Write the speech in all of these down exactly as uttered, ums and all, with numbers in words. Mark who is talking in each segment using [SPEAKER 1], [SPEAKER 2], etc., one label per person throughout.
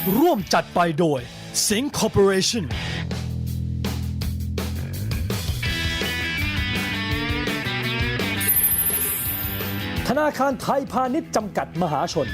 [SPEAKER 1] ร่วมจัดไปโดย Sing Corporation ธนาคารไทยพาณิชย์จำกัดมหาชน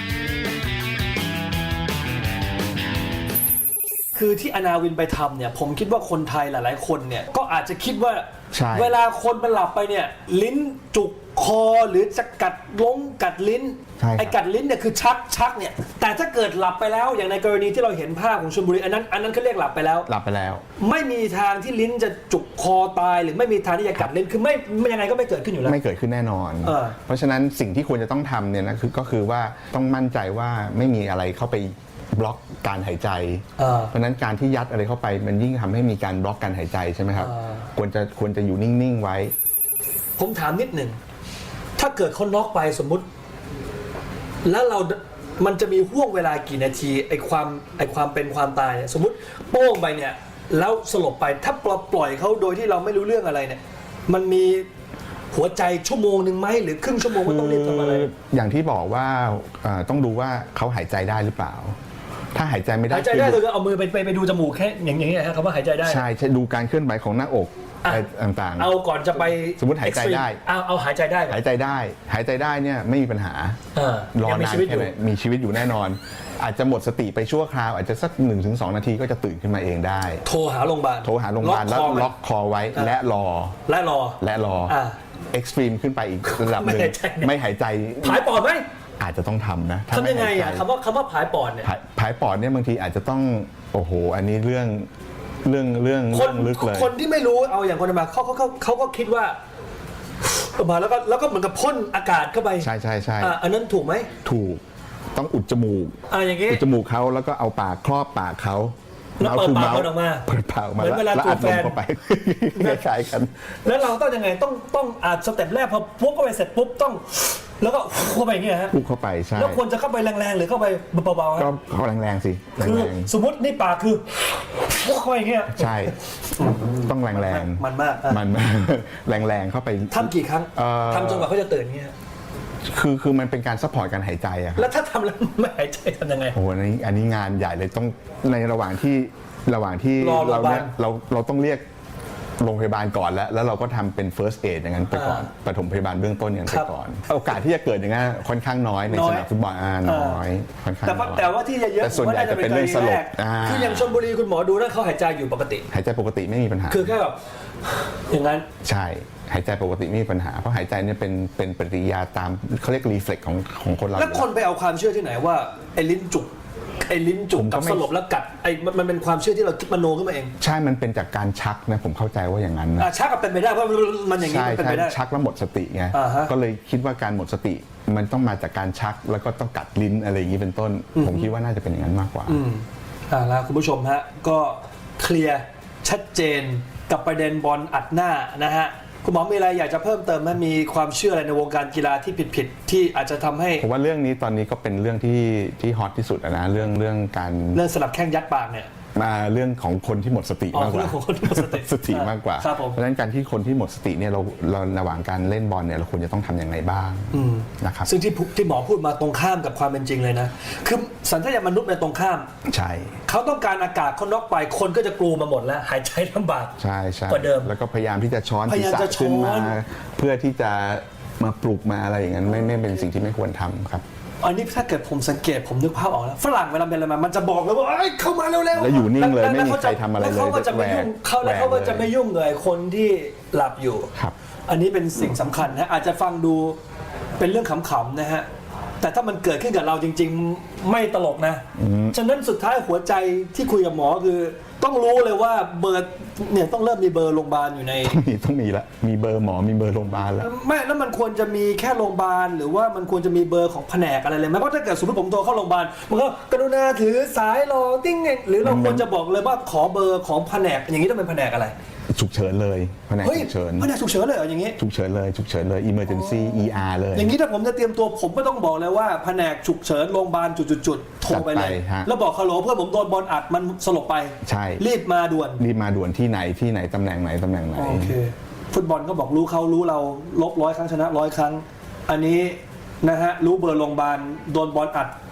[SPEAKER 1] คือที่อนาวินไปทำเนี่ยผมคิดว่าคนไทยหลายๆคนเนี่ยก็อาจจะคิดว่าเวลาคนมันหลับไปเนี่ยลิ้นจุกคอหรือจะกัดล้งกัดลิ้นไอ้กัดลิ้นเนี่ยคือชักชักเนี่ยแต่ถ้าเกิดหลับไปแล้วอย่างในกรณีที่เราเห็นภาพของชลบุรีอันนั้นอันนั้นเขาเรียกหลับไปแล้ว
[SPEAKER 2] หลับไปแล้ว
[SPEAKER 1] ไม่มีทางที่ลิ้นจะจุกคอตายหรือไม่มีทางที่จะกัดลิ้นคือไม่ยังไงก็ไม่เกิดขึ้นอยู่แล้ว
[SPEAKER 2] ไม่เกิดขึ้นแน่นอนเออเพราะฉะนั้นสิ่งที่ควรจะต้องทำเนี่ยนะคือก็คือว่าต้องมั่นใจว่าไม่มีอะไรเข้าไปบล็อกการหายใจเพราะฉะนั้นการที่ยัดอะไรเข้าไปมันยิ่งทำให้มีการบล็อกการหายใจใช่ไหมครับควรจะควรจะอยู่นิ่งๆไว้
[SPEAKER 1] ผมถามนิดหนึ่งถ้าเกิดเขาน็อกไปสมมุติแล้วเรามันจะมีห่วงเวลากี่นาทีไอ้ความไอ้ความเป็นความตายสมมุติโป้งไปเนี่ยแล้วสลบไปถ้าปล่อยเขาโดยที่เราไม่รู้เรื่องอะไรเนี่ยมันมีหัวใจชั่วโมงหนึ่งไหมหรือครึ่งชั่วโมงก็ต้องรีบทำอะไร
[SPEAKER 2] อย่างที่บอกว่าต้องดูว่าเขาหายใจได้หรือเปล่าถ้าหายใจไม่ได้
[SPEAKER 1] หายใจได้คือเอามือไปไปดูจมูกแค่อย่างนี้ครับคำว่าหายใจได้
[SPEAKER 2] ใช่ใช่ดูการเคลื่อนไหวของหน้าอกอะไรต่างๆ
[SPEAKER 1] เอาก่อนจะไป
[SPEAKER 2] สมมติหายใจได้
[SPEAKER 1] เอาเอาหายใจได้
[SPEAKER 2] หายใจได้หายใจได้เนี่ยไม่มีปัญหารอนานแค่ไหนมีชีวิตอยู่แน่นอนอาจจะหมดสติไปชั่วคราวอาจจะสัก หนึ่งถึงสอง นาทีก็จะตื่นขึ้นมาเองได้
[SPEAKER 1] โทรหาโรงพยาบาล
[SPEAKER 2] โทรหาโรงพยาบาลแล้วล็อกคอไว้และรอ
[SPEAKER 1] และรอ
[SPEAKER 2] และรอเอ็กซ์ตรีมขึ้นไปอีกระดับหนึ่งไม่หายใจ
[SPEAKER 1] ผายปอดไหม
[SPEAKER 2] อาจจะต้องทำนะ
[SPEAKER 1] ทำยังไงอ่ะคำว่าคำว่าผายปอดเนี่ย
[SPEAKER 2] ผายปอดเนี่ยบางทีอาจจะต้องโอ้โหอันนี้เรื่องเรื่องเรื่อง
[SPEAKER 1] คนลึกเลยคนที่ไม่รู้เอาอย่างคนมาเขาเขาเขาก็คิดว่ามาแล้วก็แล้วก็เหมือนกับพ่นอากาศเข้าไป
[SPEAKER 2] ใช่ใช่ใช่
[SPEAKER 1] อันนั้นถูกไหม
[SPEAKER 2] ถูกต้องอุดจมูก
[SPEAKER 1] อ่าอย่างงี้
[SPEAKER 2] อุดจมูกเขาแล้วก็เอาปากครอบปากเขา
[SPEAKER 1] แล้วเปิดปากออกมา
[SPEAKER 2] เปิดปากออกมา
[SPEAKER 1] แล้วอัดลม
[SPEAKER 2] เข้าไปคล้ายๆกัน
[SPEAKER 1] แล้วเราต้องยังไงต้องต้องอาจสเต็ปแรกพอปุ๊บเข้าไปเสร็จปุ๊บต้องแล้วก็เข้าไปอย่างเงี้ยฮะ
[SPEAKER 2] ปุ๊บเข้าไปใช่
[SPEAKER 1] แล้วควรจะเข้าไปแรงๆหรือเข้าไปเบาๆ
[SPEAKER 2] ก็เข้าแรงๆสิ
[SPEAKER 1] คือสมมตินี่ปากคือปุ๊บเข้าไปอย่างเงี้ย
[SPEAKER 2] ใช่ต้องแรง
[SPEAKER 1] ๆมันมาก
[SPEAKER 2] มันแรงๆเข้าไป
[SPEAKER 1] ทำกี่ครั้งทำจนกว่าเขาจะตื่นเงี้ย
[SPEAKER 2] คือคือมันเป็นการซัพพอร์ตการหายใจอะ
[SPEAKER 1] แล้วถ้าทำแล้วไม่หายใจทำยังไง
[SPEAKER 2] โอ้โหอันนี้อันนี้งานใหญ่เลยต้องในระหว่างที่ระหว่างที่เราเนี่ยเราเราต้องเรียกโรงพยาบาลก่อนแล้วแล้วเราก็ทำเป็น first aid อย่างนั้นไปก่อนปฐมพยาบาลเบื้องต้นอย่างนั้นไปก่อนโอกาสที่จะเกิดอย่างนั้นค่อนข้างน้อยในสนามฟุตบอลน้อยค่อนข้างน้อย
[SPEAKER 1] แต่ว่าที่เยอะ
[SPEAKER 2] แต่ส่วนใหญ่จะเป็นเรื่องสลบ
[SPEAKER 1] คืออย่างชลบุรีคุณหมอดูแล้วเขาหายใจอยู่ปกติ
[SPEAKER 2] หายใจปกติไม่มีปัญหา
[SPEAKER 1] คือแค่แบบอย่างนั้น
[SPEAKER 2] ใช่หายใจปกติไม่มีปัญหาเพราะหายใจเนี่ยเป็นเป็นปฏิกิริยาตามเขาเรียกรีเฟล็กของของคนเรา
[SPEAKER 1] แล้วคนไปเอาความเชื่อที่ไหนว่าไอ้ลิ้นจุกไอ้ลิ้นจุกกับสลบแล้วกัดไอ้มันเป็นความเชื่อที่เราคิดมโนขึ้นมาเอง
[SPEAKER 2] ใช่มันเป็นจากการชักนะผมเข้าใจว่าอย่างนั้นนะ
[SPEAKER 1] ชักกับเป็นไปได้เพราะมันอย่างนี้เป็นไปได้
[SPEAKER 2] ชักแล้วหมดสติไงก็เลยคิดว่าการหมดสติมันต้องมาจากการชักแล้วก็ต้องกัดลิ้นอะไรอย่างนี้เป็นต้นผมคิดว่าน่าจะเป็นอย่างนั้นมากกว่า
[SPEAKER 1] อ่าแล้วคุณผู้ชมฮะก็เคลียร์ชัดเจนกับประเด็นบอลอัดหน้านะฮะคุณหมอมีอะไรอยากจะเพิ่มเติมไหมมีความเชื่ออะไรในวงการกีฬาที่ผิดๆที่อาจจะทำให้
[SPEAKER 2] ผมว่าเรื่องนี้ตอนนี้ก็เป็นเรื่องที่ที่ฮอตที่สุดนะเรื่องเรื่องการ
[SPEAKER 1] เรื่องสลับแข้งยัดปากเนี่ย
[SPEAKER 2] มาเรื่องของคนที่หมดสติมากกว่าสติมากกว่าเพราะฉะนั้นการที่คนที่หมดสติเนี่ยเราเราระหว่างการเล่นบอลเนี่ยเราควรจะต้องทำอย่างไรบ้างนะครับ
[SPEAKER 1] ซึ่งที่ที่หมอพูดมาตรงข้ามกับความเป็นจริงเลยนะคือสัญชาตญาณมนุษย์ในตรงข้าม
[SPEAKER 2] ใช่
[SPEAKER 1] เขาต้องการอากาศเขาน็อกไปคนก็จะกลัวมาหมดแล้วหายใจลำบาก
[SPEAKER 2] ใช่ใช่
[SPEAKER 1] กว่าเดิม
[SPEAKER 2] แล้วก็พยายามที่จะช้อนศีรษะขึ้นมาเพื่อที่จะมาปลุกมาอะไรอย่างนั้นไม่ไม่เป็นสิ่งที่ไม่ควรทำครับ
[SPEAKER 1] อันนี้ถ้าเกิดผมสังเกตผมนึกภาพออกแล้วฝรั่งเวลาเป็นอะไรมามันจะบอกเลยว่าเข้ามาเร็วๆ
[SPEAKER 2] แล้วอยู่นิ่งเลยไม่มีใครทำอะไรเลย
[SPEAKER 1] แล้วเขาก็จะไม่ยุ่งเขาแล้วเขาก็จะไม่ยุ่งเลยคนที่หลับอยู่อันนี้เป็นสิ่งสำคัญนะอาจจะฟังดูเป็นเรื่องขำๆนะฮะแต่ถ้ามันเกิดขึ้นกับเราจริงๆไม่ตลกนะฉะนั้นสุดท้ายหัวใจที่คุยกับหมอคือต้องรู้เลยว่าเบอร์เนี่ยต้องเริ่มมีเบอร์โรงพยาบาลอยู่ใน
[SPEAKER 2] ต้องมีต้องมีละมีเบอร์หมอมีเบอร์โรงพยาบาลแล้ว
[SPEAKER 1] ไม่แล้วมันควรจะมีแค่โรงพยาบาลหรือว่ามันควรจะมีเบอร์ของแผนกอะไรเลยไหมเพราะถ้าเกิดสมมติผมโทรเข้าโรงพยาบาลมันก็กรุณาถือสายรอติ้งเองหรือเราควรจะบอกเลยว่าขอเบอร์ของแผนกอย่างนี้ต้องเป็นแผนกอะไร
[SPEAKER 2] ฉุกเฉินเลยแผนกฉุกเฉิน
[SPEAKER 1] แผนกฉุกเฉินเลยเหรออย่างนี้
[SPEAKER 2] ฉุกเฉินเลยฉุกเฉินเลย emergency อี อาร์ เลย
[SPEAKER 1] อย่างนี้ถ้าผมจะเตรียมตัวผมก็ต้องบอกเลยว่าแผนกฉุกเฉินโรงพยาบาลจุดๆๆโทรไปเลยแล้วบอกฮัลโหลเพื่อนผมโดนบอลอัดมันสลบไป
[SPEAKER 2] ใช่
[SPEAKER 1] รีบมาด่วน
[SPEAKER 2] รีบมาด่วนที่ไหนที่ไหนตำแหน่งไหนตำแหน่งไหน
[SPEAKER 1] โอเคฟุตบอลก็บอกรู้เขารู้เราลบร้อยครั้งชนะร้อยครั้งอันนี้นะฮะรู้เบอร์โรงพยาบาลโดนบอลอัด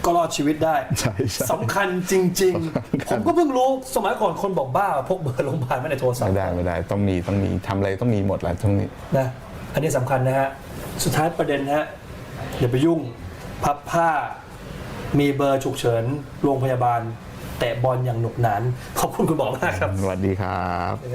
[SPEAKER 1] ก็รอดชีวิตได้
[SPEAKER 2] ใช่ใช่
[SPEAKER 1] สำคัญจริง ๆ ผมก็เพิ่งรู้สมัยก่อนคนบอกบ้าพกเบอร์โรงพยาบาลไว้ในโทรศัพ
[SPEAKER 2] ไม่
[SPEAKER 1] ท์
[SPEAKER 2] ได้ไม่ได้ต้องมีต้องมีทำอะไรต้องมีหมดแหละต้องมี
[SPEAKER 1] นะอันนี้สำคัญนะฮะสุดท้ายประเด็นนะฮะอย่าไปยุ่งพับผ้ามีเบอร์ฉุกเฉินโรงพยาบาลแตะบอลอย่างหนุกหนานขอบคุณคุณหมอมากครับ
[SPEAKER 2] สวัสดีครับ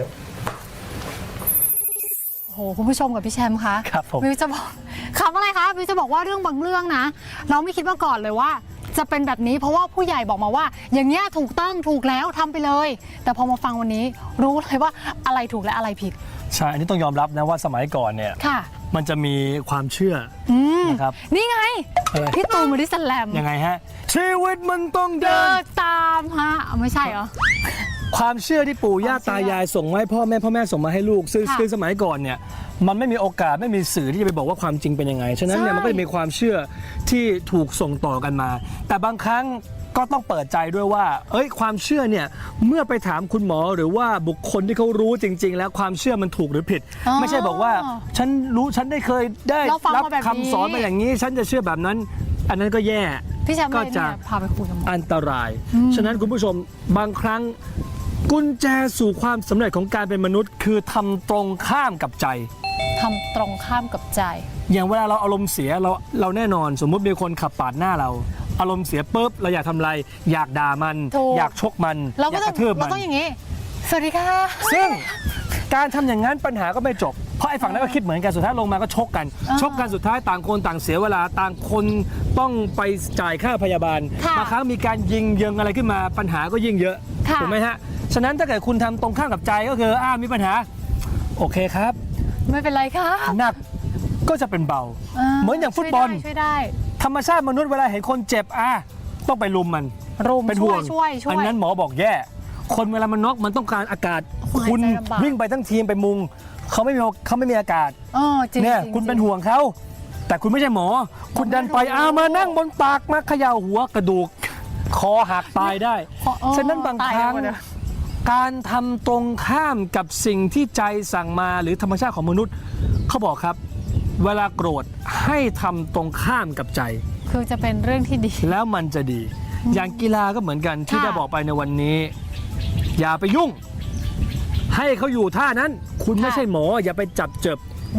[SPEAKER 3] โอ้โหคุณผู้ชมกับพี่แชมป์คะ
[SPEAKER 1] ครับผม
[SPEAKER 3] วิวจะบอกคำอะไรคะวิวจะบอกว่าเรื่องบางเรื่องนะ เราไม่คิดมาก่อนเลยว่า จะเป็นแบบนี้เพราะว่าผู้ใหญ่บอกมาว่า อย่างเงี้ยถูกต้องถูกแล้วทำไปเลย แต่พอมาฟังวันนี้รู้เลยว่าอะไรถูกและอะไรผิด
[SPEAKER 1] ใช่อันนี้ต้องยอมรับนะว่าสมัยก่อนเนี่ย
[SPEAKER 3] ค่ะ
[SPEAKER 1] มันจะมีความเชื่อ
[SPEAKER 3] อืม
[SPEAKER 1] นะครับ
[SPEAKER 3] นี่ไง
[SPEAKER 1] อะไร
[SPEAKER 3] พี่ตูนบอดี้สแลม
[SPEAKER 1] ยังไงฮะชีวิตมันต้องเดิ
[SPEAKER 3] เดิ
[SPEAKER 1] น
[SPEAKER 3] นตามฮะเอาไม่ใช่เหรอ
[SPEAKER 1] ความเชื่อที่ปู่ย่า
[SPEAKER 3] ความเชื่อ
[SPEAKER 1] ตายายส่งมาให้พ่อแม่พ่อแม่ส่งมาให้ลูกซึ่ง
[SPEAKER 3] ค่ะ
[SPEAKER 1] ซึ่งสมัยก่อนเนี่ยมันไม่มีโอกาสไม่มีสื่อที่จะไปบอกว่าความจริงเป็นยังไงฉะนั้นเนี่ย
[SPEAKER 3] ใช่
[SPEAKER 1] มันก็จะมีความเชื่อที่ถูกส่งต่อกันมา แต่บางครั้งก็ต้องเปิดใจด้วยว่า เอ้ยความเชื่อเนี่ยเมื่อไปถามคุณหมอหรือว่าบุคคลที่เขารู้จริง ๆ แล้วความเชื่อมันถูกหรือผิด
[SPEAKER 3] อ๋อ
[SPEAKER 1] ไม่ใช่บอกว่าฉันรู้ฉันได้เคยได้
[SPEAKER 3] เราฟัง
[SPEAKER 1] รั
[SPEAKER 3] มาแบบนี้
[SPEAKER 1] คำสอนมาอย่างนี้ ฉันจะเชื่อแบบนั้น อันนั้นก็แย่
[SPEAKER 3] พี่แชมป์
[SPEAKER 1] ก็
[SPEAKER 3] เลย
[SPEAKER 1] จะ
[SPEAKER 3] เนี่ยพาไปคุยกับหมอ
[SPEAKER 1] อันตราย ฉะนั้นคุณผู้ชมบางครั้งกุญแจสู่ความสำเร็จของการเป็นมนุษย์ คือทำตรงข้ามกับใจ
[SPEAKER 3] ทำตรงข้ามกับใจ
[SPEAKER 1] อย่างเวลาเราอารมณ์เสียเราเราแน่นอน สมมุติมีคนขับปาดหน้าเรา อารมณ์เสียปุ๊บเราอยากทำอะไร อยากด่ามัน
[SPEAKER 3] ถูก
[SPEAKER 1] อยากชกมัน
[SPEAKER 3] เรา
[SPEAKER 1] อ
[SPEAKER 3] ก็
[SPEAKER 1] ยาก
[SPEAKER 3] ต้
[SPEAKER 1] ก
[SPEAKER 3] อง
[SPEAKER 1] ระทืบ
[SPEAKER 3] เรา
[SPEAKER 1] มัน
[SPEAKER 3] ต้องอย่างนี้ สวัสดีค่ะ
[SPEAKER 1] ซึ่งการทำอย่างนั้นปัญหาก็ไม่จบ เพราะไอ้ฝั่งนั้นก็คิดเหมือนกันสุดท้ายลงมาก็ชกกัน
[SPEAKER 3] อ่า
[SPEAKER 1] ชกกันสุดท้ายต่างคนต่างเสียเวลาต่างคนต้องไปจ่ายค่าพยาบาล
[SPEAKER 3] ค่ะ
[SPEAKER 1] บางครั้งมีการยิงยิงอะไรขึ้นมาปัญหาก็ยิ่งเยอะ
[SPEAKER 3] ค่ะ
[SPEAKER 1] ถูกไหมฮะฉะนั้นถ้าเกิดคุณทำตรงข้ามกับใจก็คืออ่ามีปัญหาโอเคครับ
[SPEAKER 3] ไม่เป็นไรค่ะ
[SPEAKER 1] หนักก็จะเป็นเบา เหมือนอย่างฟุตบอล
[SPEAKER 3] ช่วยได้
[SPEAKER 1] ธรรมชาติมนุษย์เวลาเห็นคนเจ็บอ่ะต้องไปลุมมัน
[SPEAKER 3] รุม
[SPEAKER 1] เป็น
[SPEAKER 3] ช่
[SPEAKER 1] ห่
[SPEAKER 3] ว
[SPEAKER 1] วย ง
[SPEAKER 3] ช่วยช่วย
[SPEAKER 1] อันนั้นหมอบอกแย่ คนเวลามันน็อกมันต้องการอากาศ
[SPEAKER 3] หายใจ
[SPEAKER 1] คุณ
[SPEAKER 3] ลำบาก
[SPEAKER 1] วิ่งไปทั้งทีมไปมุงเขาไม่มีเขาไม่มีอากาศ
[SPEAKER 3] เออจริง
[SPEAKER 1] เนี่ย
[SPEAKER 3] จริง
[SPEAKER 1] คุณเป็น
[SPEAKER 3] จริง
[SPEAKER 1] ห่วงเขาแต่คุณไม่ใช่หมอ คุณดันไป
[SPEAKER 3] ไม่รู้
[SPEAKER 1] อ้ามานั่งบนปากมาเขย่าหัวกระดูกคอหักตายได้
[SPEAKER 3] คอเออ
[SPEAKER 1] ฉะนั้นบาง
[SPEAKER 3] ตาย
[SPEAKER 1] ครั้ง
[SPEAKER 3] หมดเลย
[SPEAKER 1] การทำตรงข้ามกับสิ่งที่ใจสั่งมาหรือธรรมชาติของมนุษย์เขาบอกครับ เวลาโกรธให้ทำตรงข้ามกับใจ
[SPEAKER 3] คือจะเป็นเรื่องที่ดี
[SPEAKER 1] แล้วมันจะดี อย่างกีฬาก็เหมือนกันที่
[SPEAKER 3] ค่ะ
[SPEAKER 1] ได้บอกไปในวันนี้ อย่าไปยุ่ง ให้เขาอยู่ท่านั้น คุณไม่ใช่หมอ อย่าไปจับเจ็บบ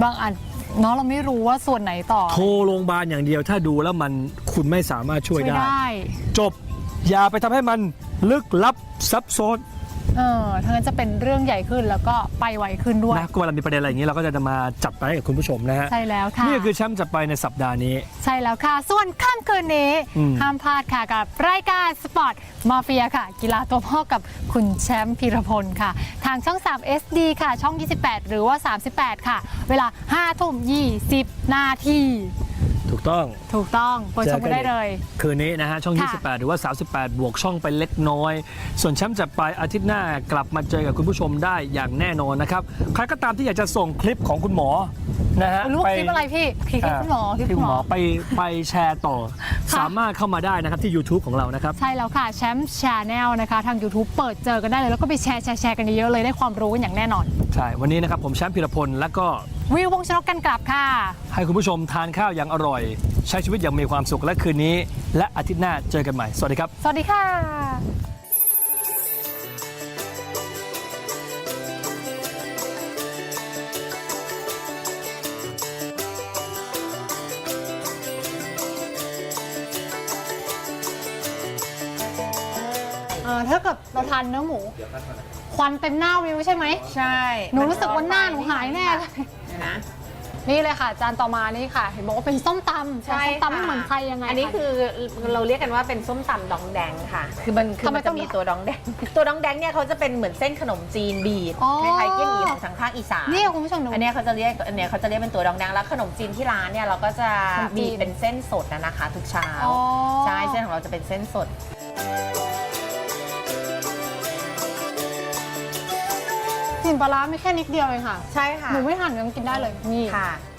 [SPEAKER 3] างอันเนาะเราไม่รู้ว่าส่วนไหนต่อ
[SPEAKER 1] โทรโรงพยาบาลอย่างเดียว ถ้าดูแล้วมันคุณไม่สามารถช่วย
[SPEAKER 3] ช่วย
[SPEAKER 1] ได้
[SPEAKER 3] ได้
[SPEAKER 1] จบ อย่าไปทำให้มันลึกลับซับซ้อน
[SPEAKER 3] เออทั้างนั้นจะเป็นเรื่องใหญ่ขึ้นแล้วก็ไปไวขึ้นด้วย
[SPEAKER 1] นะก็เวลามีประเด็นอะไรอย่างนี้เราก็จะมาจัดไปให้กับคุณผู้ชมนะฮะ
[SPEAKER 3] ใช่แล้วค่ะ
[SPEAKER 1] นี่คือแชมป์จัดไปในสัปดาห์นี้
[SPEAKER 3] ใช่แล้วค่ะ ส่วนค่ำคืนนี้
[SPEAKER 1] อืม
[SPEAKER 3] ห้ามพลาดค่ะกับรายการสปอร์ตมาเฟียค่ะ กีฬาตัวพ่อกับคุณแชมป์พีรพลค่ะ ทางช่อง สาม เอส ดี ค่ะ ช่อง ยี่สิบแปด หรือว่า สามสิบแปด ค่ะ เวลา ห้าทุ่มยี่สิบ นาที
[SPEAKER 1] ถูกต้อง
[SPEAKER 3] ถูกต้องเปิดชมกันได้เลย
[SPEAKER 1] คืนนี้นะฮะช่อง
[SPEAKER 3] ค่ะ
[SPEAKER 1] ยี่สิบแปด หรือว่า สามสิบแปด บวกช่องไปเล็กน้อย ส่วนแชมป์จัดไปอาทิตย์หน้ากลับมาเจอกับคุณผู้ชมได้อย่างแน่นอนนะครับ ใครก็ตามที่อยากจะส่งคลิปของคุณหมอนะฮะ
[SPEAKER 3] รู้ว่าคลิปอะไรพี่คลิปคุณหมอคลิป
[SPEAKER 1] ที่
[SPEAKER 3] คุ
[SPEAKER 1] คุณ ณ
[SPEAKER 3] ห
[SPEAKER 1] ห
[SPEAKER 3] ม
[SPEAKER 1] ม
[SPEAKER 3] อ
[SPEAKER 1] อไปไปแชร์ต่อ
[SPEAKER 3] ค่ะ
[SPEAKER 1] สามารถเข้ามาได้นะครับที่ YouTube ของเรานะครับ
[SPEAKER 3] ใช่แล้วค่ะแชมป์ชาแนลนะคะ ทาง YouTube เปิดเจอกันได้เลย แล้วก็ไปแชร์แชร์แชร์กันเยอะๆเลยได้ความรู้กันอย่างแน่นอน
[SPEAKER 1] ใช่ วันนี้นะครับผมแชมป์พีรพลแล้วก็
[SPEAKER 3] วิววงศ์ชนกกันกลับค่ะ
[SPEAKER 1] ให้คุณผู้ชมทานข้าวอย่างอร่อย ใช้ชีวิตอย่างมีความสุขและคืนนี้ และอาทิตย์หน้าเจอกันใหม่ สวัสดีครับ
[SPEAKER 3] สวัสดีค่ะ เออถ้าเกิดเราทานเนื้อหมู ควันเต็มหน้าวิวใช่ไหม
[SPEAKER 4] ใช่
[SPEAKER 3] หนูรู้สึกว่าหน้าหนูหายแน่เลย
[SPEAKER 4] เดี๋ยวนะ
[SPEAKER 3] นี่เลยค่ะ จานต่อมานี่ค่ะ เห็นบอกว่าเป็นส้มตำ
[SPEAKER 4] ใช่
[SPEAKER 3] ส้มตำไม่
[SPEAKER 4] ค่ะ
[SPEAKER 3] เหมือนใครยังไง
[SPEAKER 4] อันนี้คือเราเรียกกันว่าเป็นส้มตำดองแดงค่ะ คือมันคือ
[SPEAKER 3] ทำไม
[SPEAKER 4] มัน
[SPEAKER 3] ต้
[SPEAKER 4] จะ
[SPEAKER 3] อง
[SPEAKER 4] มีตัวดองแดง ตัวดองแดงเนี่ยเขาจะเป็นเหมือนเส้นขนมจีนบีบ
[SPEAKER 3] อ๋อ
[SPEAKER 4] คล้ายๆเกี๊ยวหมี่ของทางภาคอีสาน
[SPEAKER 3] นี่คุณผู้ชมดู
[SPEAKER 4] อันเนี้ยเขาจะเรียกอันเนี้ยเขาจะเรียกเป็นตัวดองแดงแล้วขนมจีนที่ร้านเนี่ยเราก็จะ
[SPEAKER 3] ขนมจีน
[SPEAKER 4] มีเป็นเส้นสดนะนะคะ ทุกเช้า
[SPEAKER 3] อ๋อ
[SPEAKER 4] ใช่เส้นของเราจะเป็นเส้นสด
[SPEAKER 3] กลิ่นปลาร้าไม่แค่นิดเดียวเองค่ะ
[SPEAKER 4] ใช่ค่ะ
[SPEAKER 3] หนูไม่หั่นยังกินได้เลย นี่
[SPEAKER 4] ค่ะ